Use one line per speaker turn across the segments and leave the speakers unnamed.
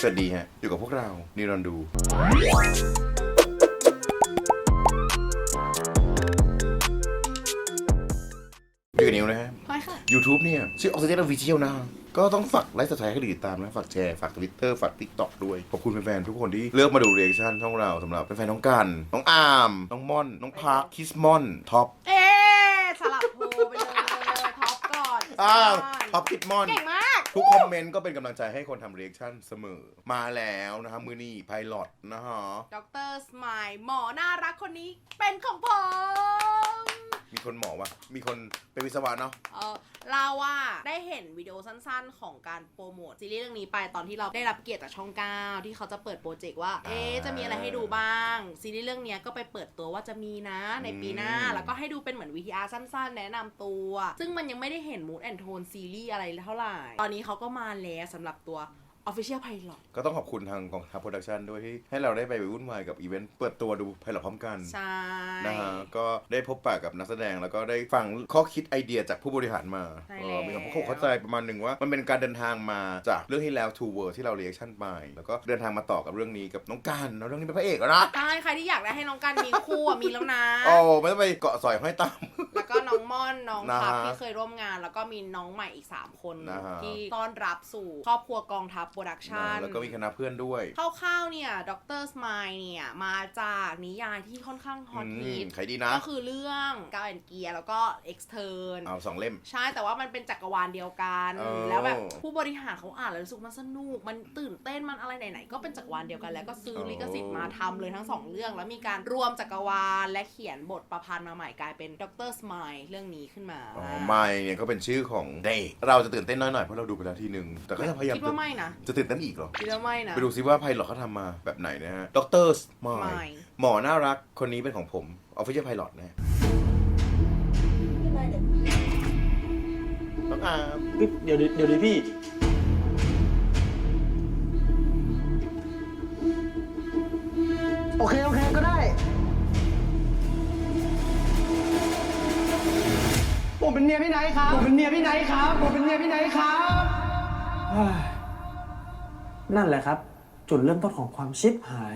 สวัสดีฮะอยู่กับพวกเรานิรันดร์ดูอยู่กับนิวนะฮะ YouTube เนี่ยชื่อ Oxygen Official นะก็ต้องฝากไลค์สไตล์ให้ติดตามนะฝากแชร์ฝาก Twitter ฝาก TikTok ด้วยขอบคุณแฟนๆทุกคนที่เลือกมาดูเรีแอคชั่นช่องเราสำหรับแฟนๆน้องกันน้องอาร์มน้องม่อนน้องพาร์คคิสมอนท็อป
สลับโพไปเลยท็อปก่อน
ท็อปคิสมอน
เก่งมาก
ทุกคอมเมนต์ก็เป็นกำลังใจให้คนทำเรีแอคชั่นเสมอมาแล้วนะฮะมือนี่ไพลอตนะฮะ
ดร.สไมล์หมอน่ารักคนนี้เป็นของผม
มีคนหมอวะมีคนเป็นวิศวะเนาะ
เราว่าได้เห็นวิดีโอสั้นๆของการโปรโมทซีรีส์เรื่องนี้ไปตอนที่เราได้รับเกียรติจากช่อง 9ที่เขาจะเปิดโปรเจกต์ว่าจะมีอะไรให้ดูบ้างซีรีส์เรื่องนี้ก็ไปเปิดตัวว่าจะมีนะในปีหน้าแล้วก็ให้ดูเป็นเหมือน VTR สั้นๆแนะนำตัวซึ่งมันยังไม่ได้เห็น Mood and Tone ซีรีส์อะไรเท่าไหร่ตอนนี้เขาก็มาแล้วสำหรับตัวOfficial Pilot
ก็ต้องขอบคุณทางกองทัพโปรดักชันด้วยที่ให้เราได้ไปวุ่นวายกับอีเวนต์เปิดตัวดูไพลอตพร้อมกัน
ใช่
นะฮะก็ได้พบปะกับนักแสดงแล้วก็ได้ฟังข้อคิดไอเดียจากผู้บริหารมามีความเข้าใจประมาณหนึ่งว่ามันเป็นการเดินทางมาจากเรื่องที่แล้ว Two World ที่เราเรีแอคชั่นไปแล้วก็เดินทางมาต่อกับเรื่องนี้กับน้องกันเรื่องนี้เป็นพระเอกแล้วนะ
ใช่ใครที่อยากได้ให้น้องกันมีคู่มีแล้วนะ
โอ้ไม่ต้องไปเกาะสอยห้อยตาม
แล้วก็น้องม่อนน้องพับที่เคยร่วมงานแล้วก็มีน้องใหม่อีก3คนที่ต้อนรับสู่ครอบครัวกองทัพโปรดักชั่น
ก็มีคณะเพื่อนด้วย
คร่าวๆเนี่ยดร.สไมล์เนี่ยมาจากนิยายที่ค่อนข้างฮอตฮิต
ใครดีนะ
ก็คือเรื่องกาวแอนเกียร์แล้วก็เอ็กซ์เทิร์น
เอา2 เล่ม
ใช่แต่ว่ามันเป็นจักรวาลเดียวกันแล้วแบบผู้บริหารเขาอ่านแล้วรู้สึกมันสนุกมันตื่นเต้นมันอะไรไหนๆก็เป็นจักรวาลเดียวกันแล้วก็ซื้อลิขสิทธิ์มาทำเลยทั้ง2เรื่องแล้วมีการรวมจักรวาลและเขียนบทประพันธ์มาใหม่กลายเป็นดร.สไมล์เรื่องนี้ขึ้นมา
ไมล์เนี่ยก็เป็นชื่อของเดย์เราจะตื่นเต้นน้อยหน่อยเพราะเราดูไปแล้วทีนึงแต่ก็จะพยายาม
คิดว่าไม่นะ
จะตื่นเต้นอีกเหรอ
คิดว่าไม่นะ
ไปดูซิว่าไพลอตเขาทำมาแบบไหนนะฮะดร.สไมล์หมอน่ารักคนนี้เป็นของผม Official Pilot นะน้องอาร์ม
เดี๋ยวดิพี่โอเคก็ได้ผมเป็นเมียพี่ไนท์ครับนั่นแหละครับจุดเริ่มต้นของความชิบหาย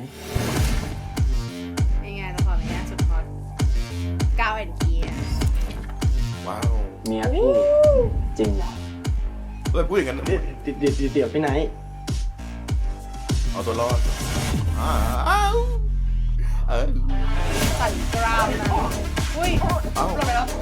ยังไงละครนี้สุดฮอตกาวแอนเกียร์
ว้าว
เมียพี่จริงเหรอ
พูดอย่างนั้น
เดี๋ยวพี่ไนท์
เอาตัวรอด
สั่นกราวนะอุ้ยหลุดไปแล้ว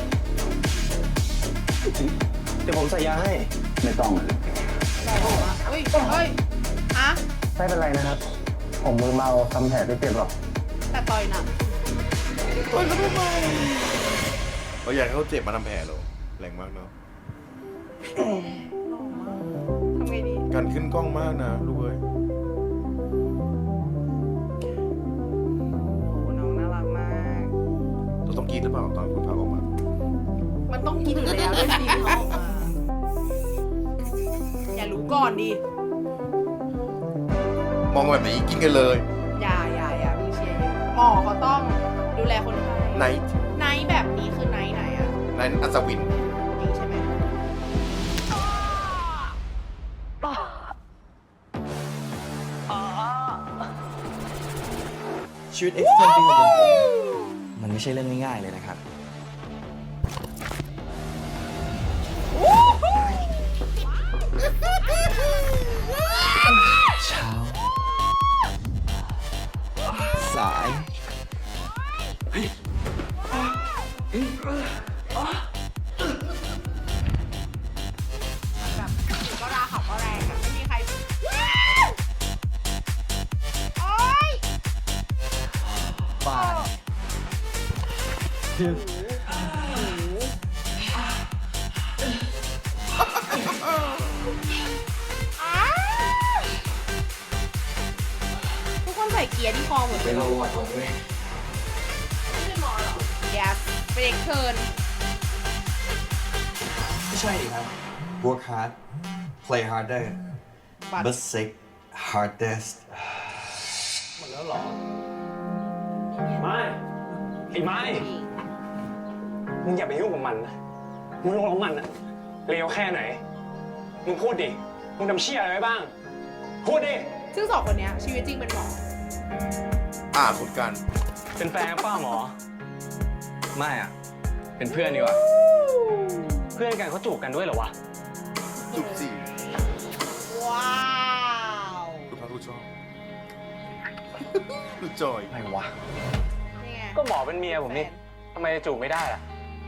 เดี๋ยวผมใส่ยาให้ไม่ต้องเลย
อุ้ยอะ
ไม่เป็นไรนะครับผมมือเมาทำแผลไม่เจ็บหรอก
แต่ต่อยหนัก
ต่อยก็ไม่มาเราอยากให้เขาเจ็บมาทำแผลหรอแรงมากเนาะ
ทำไงดี
การขึ้นกล้องมากนะลูกเอ้ย
น้องน่ารักมาก
เราต้องกินหรือเปล่าตอนคุณพาออกมา
มันต้องกินอยู่แล้วด้วยสิออกมาอย่ารู้ก่อนดิ
มองแบบนี้กินกันเลย
อย่าพี่เชียร์หมอเขาต้องดูแลคนไข้
ไน
ท์แบบนี้คือไนท์ไหนอะ
ไนท์อัศวิน
นี่ใช่ไหม
ชีวิตเอ็กซ์เทนของผมมันไม่ใช่เรื่องง่ายๆเลยนะครับเช้าสาย
แบบก็ราขับก็แรงอะไม่มีใครโอ๊ย
ป่าน
ทุกคนใส่เกียร์ที่คอหมดเลย
เป็นโรบอทด้วย
ไม่ใช่หมอหรอ yes เป็นเด็กเทิร์น
ไม่ใช่ดิครับ work hard play harder but sick hardest หมดแล้วหรอไม่ไอ้ไม่มึงอย่าไปยุ่งกับมันนะมึงลงกับมันอะเลวแค่ไหนมึงพูดดิมึงทำเชี่ยอะไรไว้บ้างพูดดิ
ซึ่งสองคนเนี้ยชีวิตจริงเป็นหมอ
คุณกัน
เป็นแฟนป้าหมอ ไม่อ่ะ เป็นเพื่อนดีกว่า เพื่อนกันเขาจูบกันด้วยเหรอวะ
จุบสิ
ว้าว
คุณพระผู้ชอบคุณจอย
อะไรวะ
นี่ไง
ก็หมอเป็นเมียผมนี่ทำไมจูบไม่ได้ล่ะ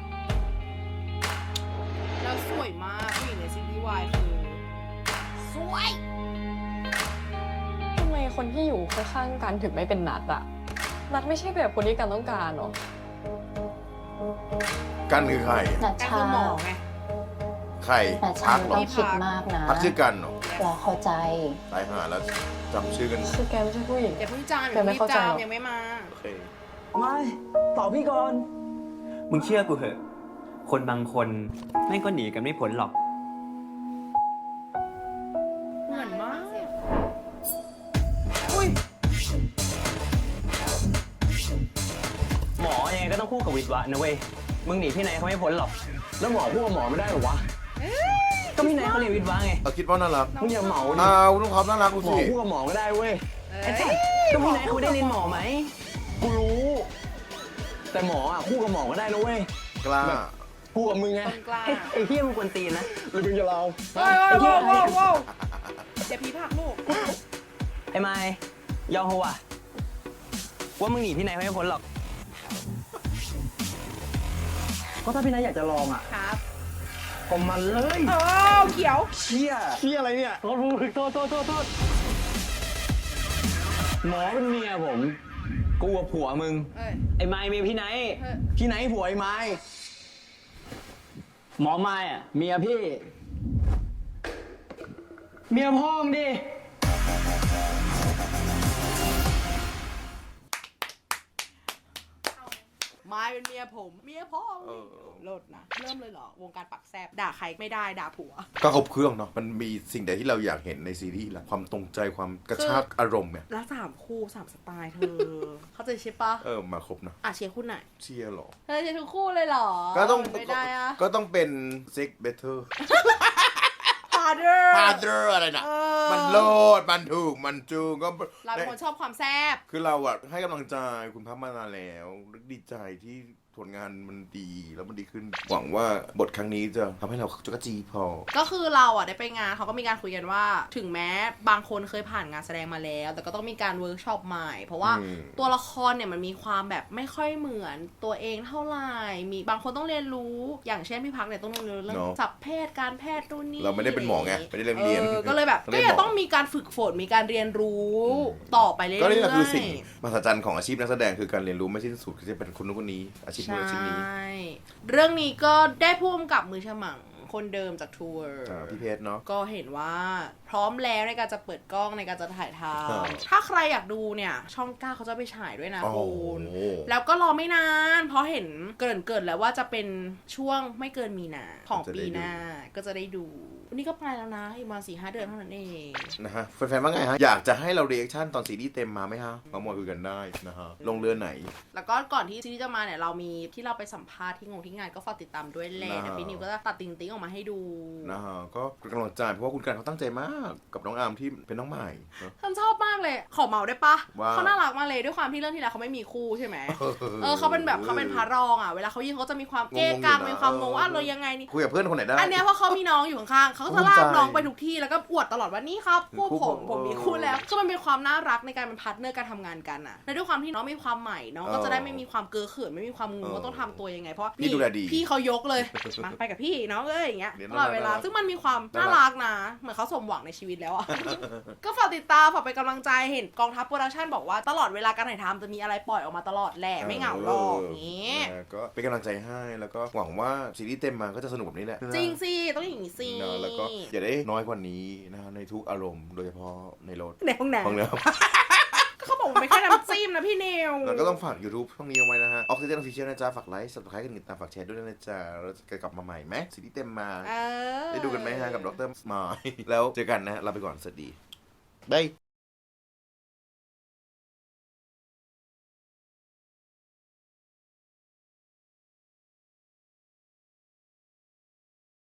แล้วสวยมากผู้หญิงในซีรีส์วายคือสวย
ทำไมคนที่อยู่ข้างๆกันถึงไม่เป็นนัดอะนัดไม่ใช่แบบคนที่กันต้องการหรอ
กันคือใคร
นัช
แต่
ชา
คือหมอไง
ใคร
นัชชา
พักเหร
ต้
อ
องคิดมากนะ
พักชื่อกันเหรอ
รอเข้าใจ
ตายหาแล้วจำชื่อกัน
คือแกไม่ใช่ผู้หญิง
อย่าเพิ่งจาม
แต่ไม่เข้าใจหรอก
ยังไม่มา
โอเค
ไม่ตอบพี่ก่อน มึงเชื่อกูเหอะ คนบางคนแม่งก็หนีกันไม่พ้นหรอก
เหมือนมาก อุ้ย
หมอยังไงก็ต้องคู่กับวิศวะนะเว้ย มึงหนีพี่ไหนเขาไม่พ้นหรอก แล้วหมอคู่กับหมอไม่ได้หรอวะ ก็พี่ไหนเขาเรียนวิศวะไง
คิดว่าน่ารัก
มึงอย่าเหมาดิ
คุณต้องความน่ารักกู
หมอ
สิ
คู่กับหมอก็ได้เว้ย
เอ้ย
ก็พี่ไหนเขาไม่ได้เรียนหมอไหม กูรู้ แต่หมออ่ะคู่กับหมอก็ได้นะเว้ย
กล้า
คู่กับมึงไง
ต้นกล้า
ไอ้เฮี้ยมึงกวนตีนนะหรือมึงจะเรา
เฮ้ยเฮ้ยว้าวว้าวว้าวเดี๋ยวผีผักลูก
ไอ้ไม้ยอมเหรอวะว่ามึงหนีพี่ไหนเขาไม่พ้นหรอก ก็ถ้าพี่นายอยากจะลองอ่ะ
ครับ
ก็มันเลย
เออเขียว
เชี่ยอะไรเนี่ยโทษหมอเป็นเมียผม กูกับผัวมึง
เอ้ย
ไอ้ไม้เมียพี่ไนท์
เฮ้ย
พี่ไนท์ผัวไอ้ไม้หมอไม้อะเมียพี่ เมียพ่อมึงดิ
ไม้เป็นเมียผม เมียพ่อโลดนะ เริ่มเลยเหรอ วงการปักแซบด่าใครไม่ได้ด่าผัว
ก็ครบเครื่องเนาะ มันมีสิ่งใดที่เราอยากเห็นในซีรีส์ละความตรงใจความกระชากอารมณ์เนี่ย
แล้ว3 คู่ 3 สไตล์เธอ เข้าใจใช่ปะ
มาครบเนาะ
เชียร์คู่ไหน
เชียร์เหรอ
เธอเชียร์ทุกคู่เลยเหรอ
ก็ต้อง
ไม่ได้อะ
ก็ต้องเป็น Sex Better
พาเดอร์
Father อะไรนะ มันโลด มันถูก มันจูงก็
เราเป็นคนชอบความแซบ
คือเราอะให้กำลังใจคุณพับมานานแล้ว ดีใจที่ผลงานมันดีแล้วมันดีขึ้น หวังว่าบทครั้งนี้จะทำให้เราจุกจีพอ
ก็คือเราได้ไปงานเขาก็มีการคุยกันว่า ถึงแม้บางคนเคยผ่านงานแสดงมาแล้ว แต่ก็ต้องมีการเวิร์กช็อปใหม่ เพราะว่า
อืม
ตัวละครเนี่ยมันมีความแบบไม่ค่อยเหมือนตัวเองเท่าไหร่มีบางคนต้องเรียนรู้ อย่างเช่นพี่พักเนี่ยต้องเรียนรู้เรื่องศัพท์แพทย์การแพทย์นู่นนี่
เราไม่ได้เป็นหมอไงไม่ได้เรียน
ก็เลยแบบก็ยังต้องมีการฝึกฝนมีการเรียนรู้ต่อไปเรื่อยๆ
ก็นี่แหละคือสิ่งมหัศจรรย์ของอาชีพนักแสดงคือการเรียนรู้ไม่สิ้นสุดคือจะเป็นคนนู้นคนนี้อาชีพนู้นอาชีพนี้
ใช่เรื่องนี้ก็ได้พ่วงกับมือฉมังคนเดิมจากทัวร์
พี่เพชรเนาะ
ก็เห็นว่าพร้อมแล้วในการจะเปิดกล้องในการจะถ่ายท
ครับ
ำถ้าใครอยากดูเนี่ย ช่อง9เขาจะไปฉายด้วยนะ
โอ้โห
คุณแล้วก็รอไม่นาน เพราะเห็นเกินแล้วว่าจะเป็นช่วงไม่เกินมีนาของปีหน้าก็จะได้ดูวันนี้ก็ไปแล้วนะอีกมา4-5 เดือนเท่านั้นเอง
นะฮะแฟนๆว่าไงฮะอยากจะให้เราเรีแอคชั่นตอนซีรีส์เต็มมาไหมฮะมาคุยกันได้นะฮะลงเรือไหน
แล้วก็ก่อนที่ซีรีส์จะมาเนี่ยเรามีที่เราไปสัมภาษณ์ที่งานก็ฝากติดตามด้วยแหละ
นะฮะ
เดี๋ยวพี่นิวก็จะตัดติ๊งๆออกมาให้ดู
นะฮะก็เป็นกำลังใจเพราะว่าคุณกันเขาตั้งใจมากกับน้องอาร์มที่เป็นน้องใหม่เนอะ
ฉันชอบมากเลย ขอเมาได้ปะ
ว่า
เขาน่ารักมากเลยด้วยความที่เรื่องที่แล้วเขาไม่มีคู่ใช่ไหม เขาเป็นแบบเขาเป็นพระรองอ่ะ เวลาเขายิงเขาจะมีความเก้กัง
งงอยู่นะ
มีความงงว่าเรายังไงนี่
คุยกับเพื่อนคนไหนได้
อันเนี้ยเพราะเขามีน้องอยู่ข้างๆเขาก็จะลากน้องไปทุกที่แล้วก็อวดตลอดว่านี่ครับคู่
คู่
ผ
ผม ม
ผมมีคู่แล้วคือมันเป็นความน่ารักในการเป็นพาร์ทเนอร์การทำงานกันอ่ะและด้วยความที่น้องมีความใหม่น้องก็จะได้ไม่มีความเก้อเขินไม่มีความงงว่าต้องทำตัวยังไงเพราะ
พี่ดูแลดี
พี่เขายกเลย มาไปกับพี่น้องเอ้ยอย่างเงี้ย
เดี๋ยว
ตลอดเวลา
น่ารัก
ซึ่งมันมีความน่า
น่ารั
รั
ก
กนะเหมือนเขาสมหวังในชีวิตแล้วอ่ะ ก็ฝากติดตามฝากเป็นกำลังใจเห็นกองทัพโปรดักชั่นบอกว่าตลอดเวลาการถ่ายทำจะมีอะไรปล่อยออกมาตลอดแหละไม่เหงาหรอกอย่างงี้
ก็เป็นกำลังใจให้แล้วก็หวังว่าซีรีส์เต็มมาก็จะสนุกแบบนี้แหละ
จริงสิต้องอย่างนี้สิ
นะแล้วก็อย่าได้น้อยกว่านี้นะฮะในทุกอารมณ์โดยเฉพาะในรถ
ในห้องน้
ฟังแล้ว
ำก็เขาบอกมันไม่แค่น้ำจิ้มนะพี่นิว
แล้วก็ต้องฝาก YouTube ช่องนี้เอาไว้นะฮะ Oxygen Official นะจ๊ะ ฝากไลค์ Subscribe กันติดตามฝากแชร์ด้วยนะจ๊ะเราจะกลับมาใหม่ไหมซีรีส์เต็มมา
เออ
ได้ดูกันไหมฮะกับดรสมายแล้วเจอกันนะฮะลาไปก่อนสวัสดีบาย